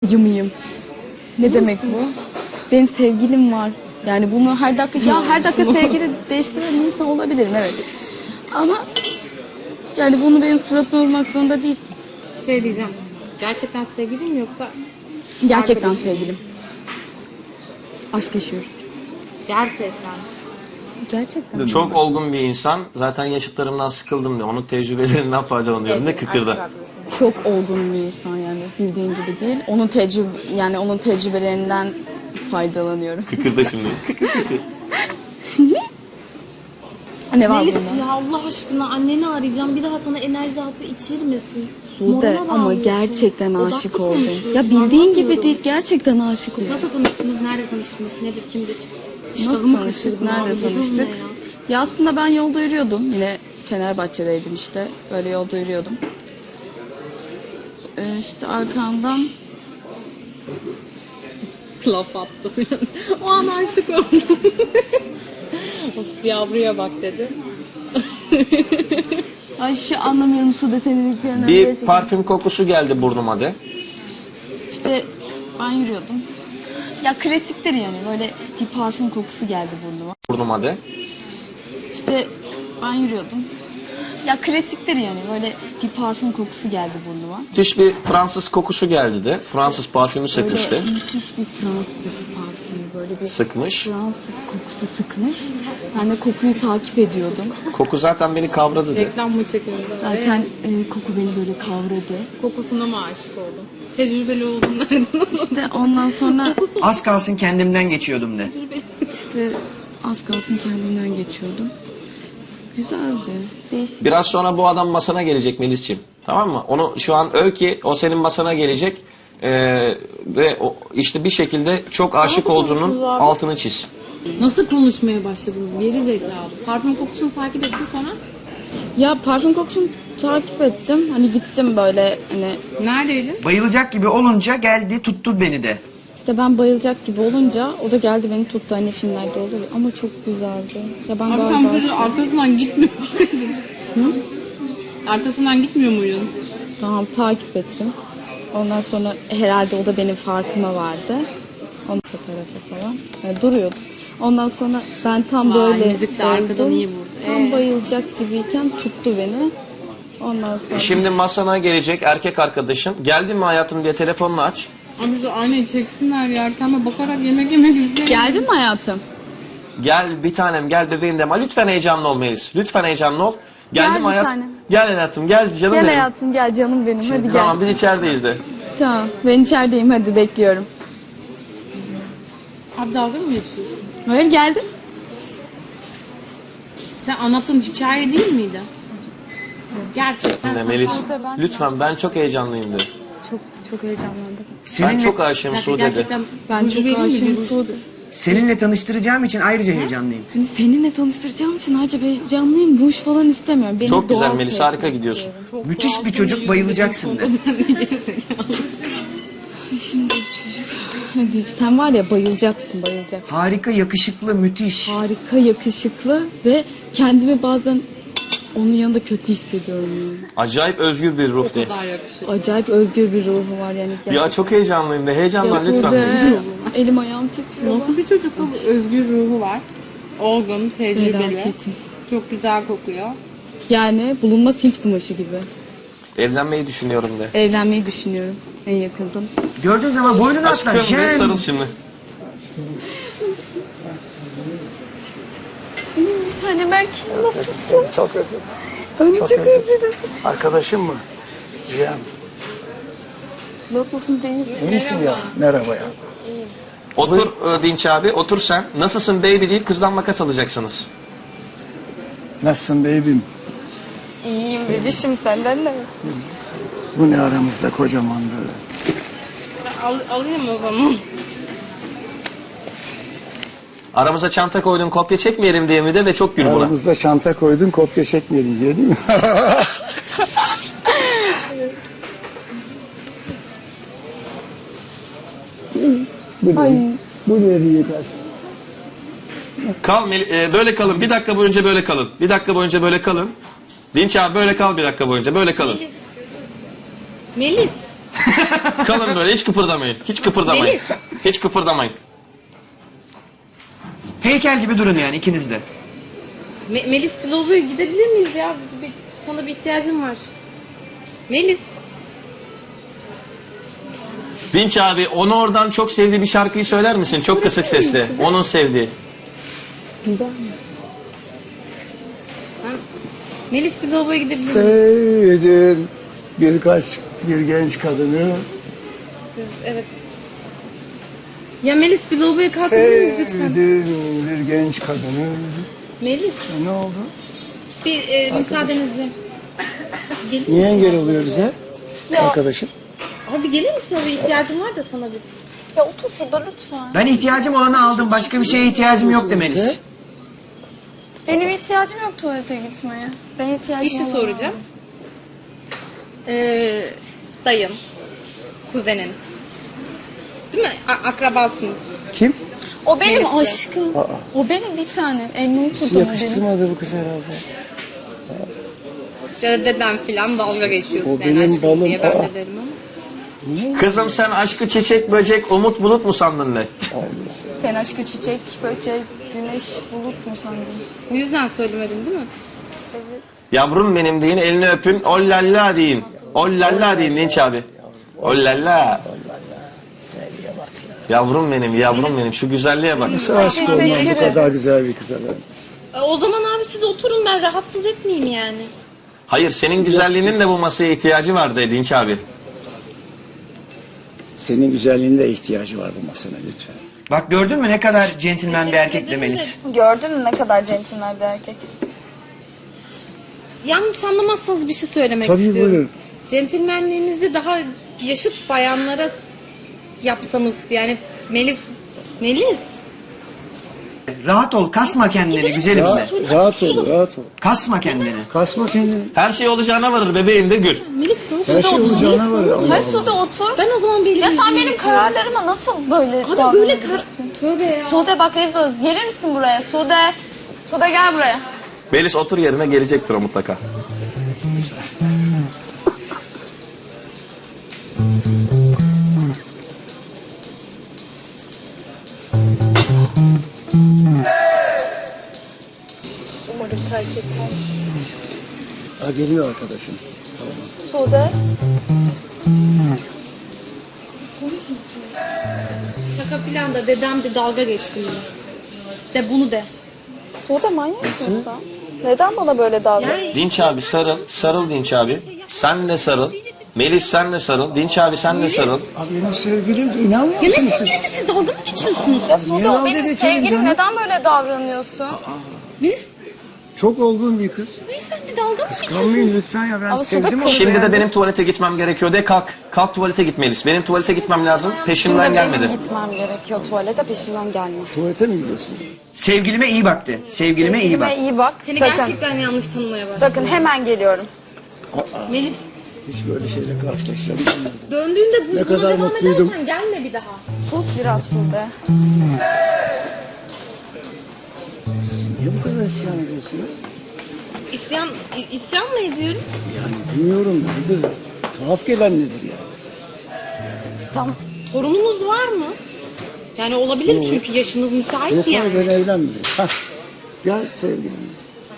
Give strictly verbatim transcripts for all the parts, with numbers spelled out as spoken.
Yımıyım. Ne demek bu? Benim sevgilim var. Yani bunu her dakika ya her dakika sevgili değiştiren insan olabilirim, evet. Ama yani bunu benim suratıma vurmak zorunda değil. Şey diyeceğim. Gerçekten sevgilin mi yoksa? Gerçekten arkadaşın? sevgilim. Aşk yaşıyorum. Gerçekten. Gerçekten. Çok olgun bir insan. Zaten yaşıtlarımdan sıkıldım diyor. Onun tecrübelerinden faydalanıyorum da kıkırda. Çok olgun bir insan yani, bildiğin gibi değil. Onun tecrübe yani onun tecrübelerinden faydalanıyorum. Kıkırda şimdi. Kıkır kıkır. Ne var Melis bunda? ya Allah aşkına anneni arayacağım. Bir daha sana enerji hapı içirmesin. Sude Morala ama bağlıyorsun. gerçekten Odaklı aşık oldum. konuşuyorsun, Ya bildiğin gibi anlamıyorum. değil, gerçekten aşık oldum. Nasıl tanıştınız? Nerede tanıştınız? Nedir? Kimdir? Nasıl İştahımı tanıştık? kaçırdın Nerede abi, bu tanıştık? ne ya? Ya aslında ben yolda yürüyordum. Yine Fenerbahçe'deydim işte. Böyle yolda yürüyordum. Ee, işte arkamdan Laf attı falan. O an aşık oldum. Of yavruya bak dedi. ay hiçbir şey anlamıyorum Sude senin dediklerinden. Bir Gerçekten. parfüm kokusu geldi burnuma de. İşte ben yürüyordum. Ya klasiktir yani, böyle bir parfüm kokusu geldi burnuma. Burnuma de. İşte ben yürüyordum. Ya klasiktir yani, böyle bir parfüm kokusu geldi burnuma. Müthiş bir Fransız kokusu geldi de. Fransız parfümü sıkmıştı. Böyle müthiş bir Fransız parfümü, böyle bir Sıkmış. Fransız kokusu sıkmış. Ben de kokuyu takip ediyordum. Koku zaten beni kavradı de. Reklam mı çekiyoruz? Zaten e, koku beni böyle kavradı. Kokusuna mı aşık oldum? Tecrübeli oldum nereden? İşte ondan sonra Az kalsın kendimden geçiyordum de. işte az kalsın kendimden geçiyordum. Güzeldi. Değişik. Biraz sonra bu adam masana gelecek Melis'ciğim. Tamam mı? Onu şu an öv ki o senin masana gelecek. Ee, ve o, işte bir şekilde çok aşık olduğunun altını çiz. Nasıl konuşmaya başladınız? Geri zekalı. Parfüm kokusunu takip etti sonra. Ya parfüm kokusunu takip ettim. Hani gittim böyle hani Neredeydin? Bayılacak gibi olunca geldi tuttu beni de. işte ben bayılacak gibi olunca o da geldi beni tuttu, hani filmlerde olur ya. Ama çok güzeldi. Ya ben Abi galiba sen böyle arkasından gitmiyor muydun? Arkasından gitmiyor muydun? tamam takip ettim. Ondan sonra herhalde o da benim farkıma vardı. Onun fotoğrafı falan. Yani duruyordu. Ondan sonra ben tam Vay, böyle müzik de arkadan oldum. iyi vurdu. Tam Ee? bayılacak gibiyken tuttu beni. Ondan sonra Şimdi masana gelecek erkek arkadaşın. Geldin mi hayatım diye telefonunu aç. Abi bizi aynayı çeksinler ya. Arkama bakarak yemek yemek izleyin. geldin mi hayatım? Gel bir tanem gel bebeğim deme. Lütfen heyecanlı ol Melis. Lütfen heyecanlı ol. Geldim Gel bir hayat. tanem. Gel hayatım gel canım Gel benim. hayatım, gel canım benim, hadi gel. Tamam biz içerideyiz de. Tamam, ben içerideyim, hadi bekliyorum. Abi dalga mı geçiyorsun? Hayır, geldim. Sen anlattığın hikaye değil miydi? Gerçekten. Ne sen- Melis? Sude, ben- Lütfen ben çok heyecanlıyım de. Çok çok heyecanlandım. Ben Seninle, çok aşığım Gerçekten, Sude de. gerçekten Ben ruj çok vereyim mi? aşığım Bir ruj Sude. sür. seninle tanıştıracağım için ayrıca heyecanlıyım. Hani seninle tanıştıracağım için ayrıca heyecanlıyım. Ruj falan istemiyorum. Beni Çok güzel doğal Melis, sevsin harika gidiyorsun. istiyorum. Çok Müthiş doğal, bir çocuk, böyle bayılacaksın yürüdüğün de. konuda gerizekalı. Şimdi bir çocuk. Hadi sen var ya, bayılacaksın, bayılacaksın. Harika, yakışıklı, müthiş. Harika, yakışıklı ve kendimi bazen onun yanında kötü hissediyorum yani. Acayip özgür bir ruh O de. kadar yakışıklı. Acayip özgür bir ruhu var yani. Ya çok heyecanlıyım de. Heyecandan Ya lütfen Sude, Melis. elim ayağım titriyor. Nasıl bir çocuk bu? Özgür ruhu var. Olgun, tecrübeli. Felaketim. Çok güzel kokuyor. Yani bulunmaz Hint kumaşı gibi. Evlenmeyi düşünüyorum de. Evlenmeyi düşünüyorum en yakın zaman. Gördüğün zaman boynunu atla. Aşkım de Jen. sarıl şimdi. Bir tane Berk, nasılsın? Seni çok özledim. Ben de çok, özledim. özledim. Arkadaşım mı? Cihan. Nasılsın değil? İyi misin ya? Merhaba ya. Otur e, Dinç abi, otur sen. Nasılsın baby deyip kızdan makas alacaksınız. Nasılsın beybim? İyiyim bebişim, senden de. Bu ne aramızda kocaman böyle. Al, alayım o zaman. Aramıza çanta koydun kopya çekmeyelim diye mi de ve çok gül buna. Aramızda çanta koydun kopya çekmeyelim diye değil mi? bu ne? Bu ne yeter? Kal Mel- e, böyle kalın. Bir dakika boyunca böyle kalın. Bir dakika boyunca böyle kalın. Dinç abi böyle kal bir dakika boyunca. Böyle kalın. Melis. Kalın böyle hiç kıpırdamayın. Hiç kıpırdamayın. Melis. Hiç kıpırdamayın. Heykel gibi durun yani ikiniz de. Me- Melis bir lavaboya gidebilir miyiz ya? Bir- sana bir ihtiyacım var. Melis. Dinç abi onu oradan çok sevdiği bir şarkıyı söyler misin? Çok kısık sesle. Onun sevdiği. Ben... Melis bir lavaboya gidebilir miyiz? Sevdim birkaç bir genç kadını. Evet. Ya Melis bir lavaboya kalkabilir miyiz lütfen? Sevdim bir genç kadını. Melis Ne oldu? bir e, müsaadenizle. Gelir Niye misin? engel oluyor bize? Arkadaşım. Abi gelir misin abi? İhtiyacım var da sana bir. Ya otur şurada lütfen. Ben ihtiyacım olanı aldım. Başka bir şeye ihtiyacım yok de Melis. Benim ihtiyacım yok tuvalete gitmeye. Ben ihtiyacım Bir şey olanı soracağım. aldım. Ee, Dayın, kuzenin. Değil mi? A- akrabasınız. Kim? o benim Melis'le. aşkım. Aa. O benim bir tanem. Elini Hiç tutun o benim. yakıştırmadı bu kız herhalde. Ya da deden filan dalga geçiyorsun. O yani benim aşkım balım. diye ben Aa. de derim ama. Kızım sen aşkı çiçek böcek umut bulut mu sandın ne? Sen aşkı çiçek, böcek, güneş, bulut mu sandın? Bu yüzden söylemedin değil mi? Yavrum benim deyin elini öpün. Ollalla deyin. Ollalla deyin Dinç abi. Ollalla. Sevgiye bak Yavrum benim yavrum benim şu güzelliğe bak. ya. Aşık olmam bu kadar güzel bir kıza ben. E, o zaman abi siz oturun, ben rahatsız etmeyeyim yani. Hayır senin güzelliğinin de bu masaya ihtiyacı vardı Dinç abi. Senin güzelliğine ihtiyacı var bu masana lütfen. Bak gördün mü ne kadar centilmen bir erkek de ederim Melis. Gördün mü ne kadar centilmen bir erkek? Yanlış anlamazsanız bir şey söylemek Tabii, istiyorum. buyurun. Centilmenliğinizi daha yaşıt bayanlara yapsanız yani Melis Melis Rahat ol, kasma kendini güzelim de. Rahat, rahat ol, rahat ol. Kasma kendini. Kasma kendini. Her şey olacağına varır bebeğim de gül. Melis ne oldu? Her şey olacağına var. Allah Hayır Allah. Sude otur. Ben o zaman bir Ya sen benim kararlarıma nasıl böyle Abi böyle kar... davranabilirsin? Tövbe ya. Sude bak rezil oluruz. Gelir misin buraya? Sude. Sude gel buraya. Melis otur yerine gelecektir o mutlaka. Umarım terk etmez. Ha, geliyor arkadaşım. Sude. Şaka filan da dedem de dalga geçti yine. De bunu de. Sude manyak mısın? Neden bana böyle davranıyorsun? Yani Dinç abi sarıl. Sarıl Dinç abi. Sen de sarıl. Melis sen de sarıl. Dinç abi sen de sarıl. Abi benim sevgilim inanmıyor ya ne musunuz siz? sevgilisi, siz dalga mı geçiyorsunuz? Ya Niye Sude o dalga benim geçelim sevgilim. canım? Neden böyle davranıyorsun? Melis, Çok olgun bir kız. beyefendi dalga mı geçiyorsunuz? Kalmayın lütfen ya ben Ama sevdim Sude onu. kız- Şimdi de beğendim. benim tuvalete gitmem gerekiyor de kalk. Kalk tuvalete git Melis. Benim tuvalete gitmem lazım. Peşimden Şimdi gelmedi. benim gitmem gerekiyor tuvalete peşimden gelme. Tuvalete mi gidiyorsun? Sevgilime iyi bak de. Sevgilime iyi bak. Sevgilime iyi bak. Seni Sakın. gerçekten yanlış tanımaya başladım. Sakın hemen geliyorum. Melis, Hiç böyle şeyle karşılaşacağım. döndüğünde bu Ne buna kadar devam mutluydum. edersen gelme bir daha. Sus biraz Sude. Niye bu kadar isyan ediyorsunuz? İsyan, i- isyan mı ediyorum? Yani bilmiyorum nedir? Tuhaf gelen nedir yani? Tamam. Torunumuz var mı? Yani olabilir çünkü yaşınız müsait Yok yani. abi ben evlenmedim. Hah. Gel sevgilim.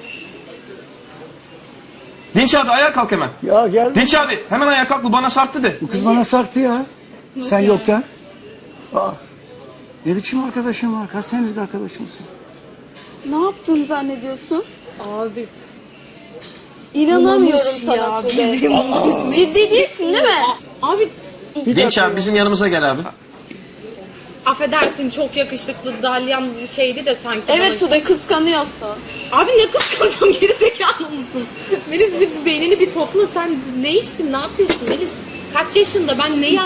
Dinç abi ayağa kalk hemen. Ya gel. Dinç abi hemen ayağa kalk bu bana sarktı de. Bu kız bana sarktı ya. Sen yokken. Aa. Ne biçim arkadaşım var? Kaç senelik arkadaşımsın? Ne yaptığını zannediyorsun? Abi. İnanamıyorum Bulamamış sana ya, Sude. bildiğim bulamamış. Ciddi değilsin değil mi? Abi Dinç abi bizim yanımıza gel abi. affedersin çok yakışıklı dalyan şeydi de sanki. Evet bana. Sude kıskanıyorsun. Abi ne kıskanacağım, geri zekalı mısın? Melis bir beynini bir topla, sen ne içtin, ne yapıyorsun Melis? Kaç yaşında, ben ne ya...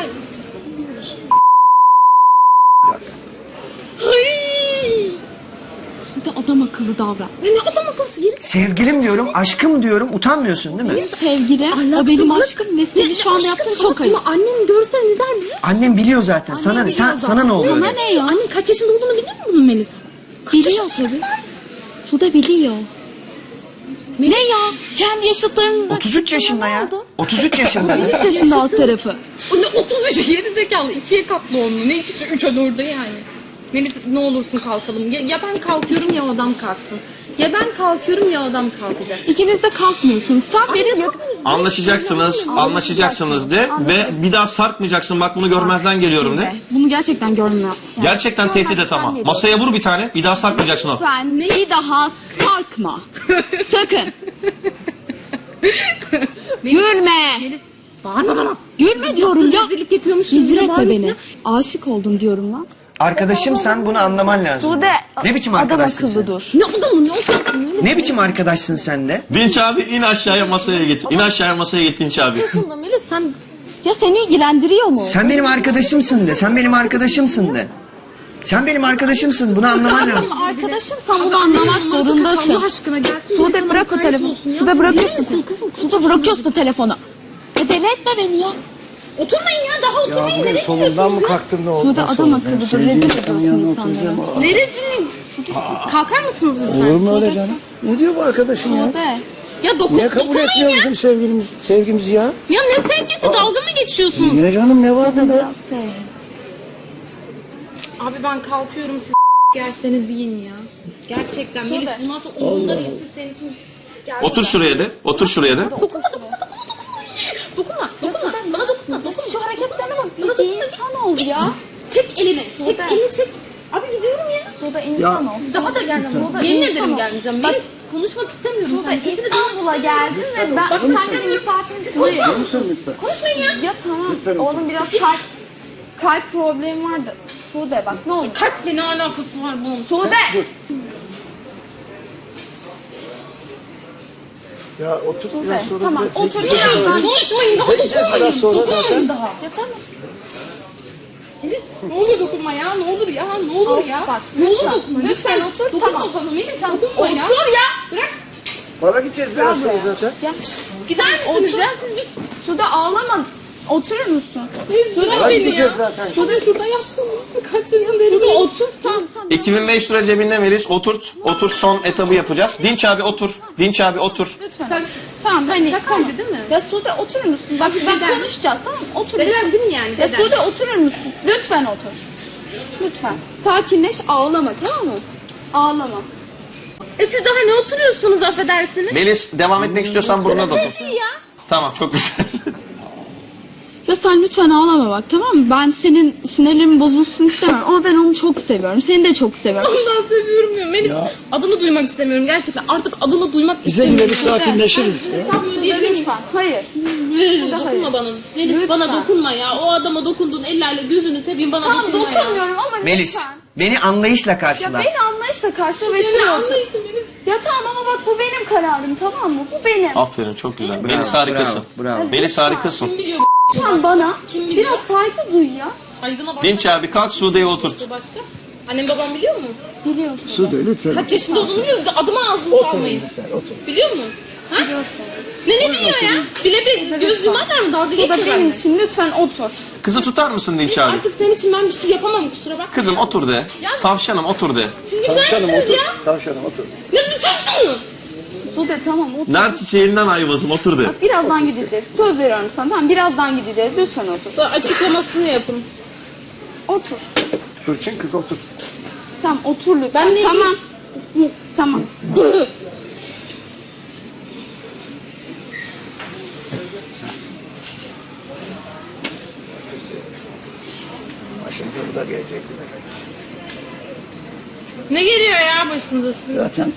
Ay! Sude adam akıllı davran. Ne, ne adam akıllısı, geri Sevgilim diyorum, aşkım diyorum. Utanmıyorsun değil mi? Sevgili, o benim aşkım ve senin şu anda yaptığın çok ayıp. Ama annem görse ne der biliyor musun? Annem biliyor zaten. Sana ne? Sen, sana ne oluyor? Sana öyle? ne ya? Annen kaç yaşında olduğunu biliyor musun bunun Melis? Biliyor tabii. Sude biliyor. Ne ya? Kendi yaşıtlarında... otuz üç yaşında Ne ya. oldu? otuz üç yaşında. üç yaşında alt tarafı. O ne otuz üç geri zekalı. ikiye katlı onu. Ne ikisi üç orada yani. Melis ne olursun kalkalım. Ya, ya ben kalkıyorum ya o adam kalksın. Ya ben kalkıyorum ya o adam kalkacak. İkiniz de kalkmıyorsunuz. Sen benim yakın... Anlaşacaksınız, anlaşacaksınız de ve bir daha sarkmayacaksın. Bak bunu görmezden geliyorum de. Bunu gerçekten görmüyorum. Gerçekten tehdit et ama. Masaya vur bir tane, bir daha sarkmayacaksın o. Sen bir daha sarkma. Sakın. Gülme. Melis bağırma bana. Gülme diyorum ya. Rezillik yapıyormuş gibi Rezil etme bağırıyorsun beni. ya. Aşık oldum diyorum lan. Arkadaşım sen bunu anlaman lazım. Sude Ne biçim adam arkadaşsın akıllı sen? dur. Ne adamı ne olacaksın Melis? Ne biçim arkadaşsın sen de? Dinç abi in aşağıya masaya git. İn aşağıya masaya git Dinç abi. Aslında Melis sen Ya seni ilgilendiriyor mu? Sen benim arkadaşımsın de. Sen benim arkadaşımsın de. Sen benim arkadaşımsın. Bunu anlaman lazım. Ama arkadaşım sen bunu anlamak zorundasın. Allah aşkına gelsin. Sude sana bırak o mukayyet telefonu. olsun ya. Sude Deli bırakıyorsun. misin kızım? Sude bırakıyorsun telefonu. Ya deli etme beni ya. Oturmayın ya daha Ya oturmayın. bugün Nereye solundan mı gidiyorsunuz ya? kalktım ne oldu? Sude Nasıl adam oldu? Ben akıllı dur. sevdiğim Rezil insanın ediyorsun yanına insanları. oturacağım. Aa, Neresini? Kalkar mısınız lütfen? Olur mu öyle canım? Ne diyor bu arkadaşım ya? Sude. Ya dokun, Niye kabul dokunmayın etmiyor ya. bizim sevgilimiz, sevgimizi ya? Ya ne sevgisi dalga mı geçiyorsunuz? Niye canım ne var Sude bunda? biraz sev. Abi ben kalkıyorum siz yerseniz yiyin ya. Gerçekten Melis bundan sonra umurumda değilsin senin için. Gel Otur bana. şuraya de, otur şuraya de. Dokunma dokunma dokunma. Dokunma dokunma. Bana dokunma dokunma. Şu hareketlerine bak. Bana Bir dokunma. insan ol ya. Çek elini. Çek Sude. elini çek. Abi gidiyorum ya. Sude insan ol. Daha da gelmem. Sude Yemin insan ederim ol. gelmeyeceğim. Bak, Melis konuşmak istemiyorum. Sude Ben sesini duymak İstanbul'a istemiyorum. geldin ve ben Bak, sen lütfen. benim misafirimsin. Konuşma. Hayır. Lütfen lütfen. Konuşmayın ya. Ya tamam. Lütfen Oğlum biraz kalp kalp problemi vardı. Sude bak ne olur. Kalple ne alakası var bunun? Sude. Ya otur Sude. biraz sonra. Tamam biraz otur. çekeceğiz. Ya, Ya konuşmayın daha Çekeceğiz dokunmayın. biraz sonra Dokunmayın zaten. daha. ya tamam. Melis ne olur dokunma ya ne olur ya ne olur Al, ya. bak, ne olur lütfen, dokunma lütfen otur, Dokunma tamam. bana Melis Tamam, dokunma ya. otur ya. Bırak. Para gideceğiz biraz sonra zaten. Ya Gider misiniz Otur. ya siz bir. Sude ağlama. Oturur musun? Bırak Para beni gideceğiz ya. zaten. Sude şurada yaptınız mı kaç yaşın beri? Sude otur. Tamam tamam. iki bin beş yüz lira cebinde Melis, oturt. Oturt, son etabı yapacağız. Dinç abi otur. Dinç abi otur. Lütfen. Sen Tamam hani şakaydı tamam. değil mi? Ya Sude oturur musun? Bak Beden. bak konuşacağız tamam mı? Otur. Beden lütfen. değil mi yani? Ya Beden. Sude oturur musun? Lütfen otur. Lütfen. Sakinleş ağlama tamam mı? Ağlama. E siz daha ne oturuyorsunuz affedersiniz? Melis devam etmek istiyorsan burnuna dokun. Ne ya? Tamam, çok güzel. Ya sen lütfen ağlama bak tamam mı? Ben senin sinirlerin bozulsun istemem ama ben onu çok seviyorum. Seni de çok seviyorum. Ondan seviyorum ya. Melis Ya. adını duymak istemiyorum gerçekten. Artık adını duymak Bize yine istemiyorum. bir sakinleşiriz. ya. Sen böyle diyebilir miyim? Lütfen. Hayır. Melis, hayır. dokunma bana. Melis Lütfen. bana dokunma ya. O adama dokunduğun ellerle gözünü seveyim bana Tamam dokunma ya. dokunmuyorum ama Melis, lütfen. beni anlayışla Ya karşıla. beni anlayışla karşıla ve Ne şuraya otur. anlayışın Melis? Ya tamam ama bak bu benim kararım tamam mı? Bu benim. Aferin, çok güzel. Melis harikasın. Bravo, bravo. Melis harikasın. Kim biliyor Sen bana Kim biliyor? biraz saygı duy ya. saygına bak. Dinç abi kalk, Sude'yi oturt. Başka? Annem babam biliyor mu? Biliyorsun. Sude lütfen. Kaç yaşında olduğunu biliyor musun? Adıma ağzını Otur salmayın. lütfen otur. Biliyor musun? Ha? Biliyorsun. Ne ne biliyor ya? Bile bile göz yumarlar mı? Dalga Bu da geçiyorlar benim mı? için lütfen otur. Kızı tutar mısın Dinç abi? Artık senin için ben bir şey yapamam kusura bakma. Kızım otur de. Tavşanım otur de. Siz bir gider Tavşanım misiniz otur. ya? Tavşanım otur. Ne lütfen. Sude tamam otur. Nar çiçeğinden ayvazım otur de. Birazdan gideceğiz. Söz veriyorum sana tamam birazdan gideceğiz. Lütfen otur. Sonra açıklamasını yapın. Otur. Hırçın kız otur. Tamam otur lütfen. Ben ne Tamam. Hı, Tamam. Başımıza bu da gelecekti demek. Ne geliyor ya başınıza sizin? Zaten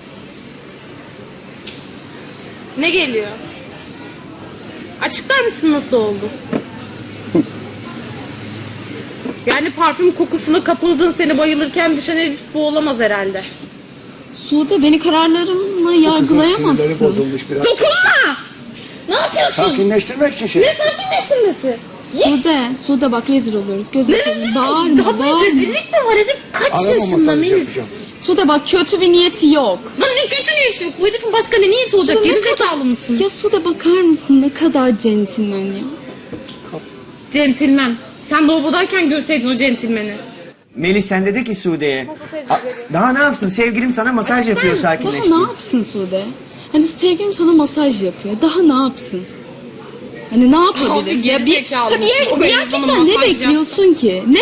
Ne geliyor? Açıklar mısın nasıl oldu? Yani parfüm kokusuna kapıldın seni bayılırken düşen herif bu olamaz herhalde. Sude beni kararlarımla kızın sinirleri yargılayamazsın. bozulmuş biraz. Dokunma! Ne yapıyorsun? Sakinleştirmek için şey. Ne sakinleştirmesi? Sude, Sude bak rezil oluyoruz. Gözüm Ne seveyim. rezillik? Bağırma, Daha bir bağırma. rezillik mi var herif? Kaç Arama yaşında masajı Melis? yapacağım. Sude bak kötü bir niyeti yok. Lan ne kötü niyeti yok. Bu herifin başka ne niyeti olacak? Sude, ne Gerizekalı mısın? Ya Sude bakar mısın ne kadar centilmen ya. Centilmen. Sen lavabodayken görseydin o centilmeni. Melis sen dedi ki Sude'ye. "A- Daha ne yapsın? Sevgilim sana masaj yapıyor Daha sakinleşti. ne yapsın Sude? Hani sevgilim sana masaj yapıyor. Daha ne yapsın? Hani ne yapabilir? Abi Ya bir, gerizekalı ya mısın? O bir, benim bana gerçekten ne masaj bekliyorsun ki? Ne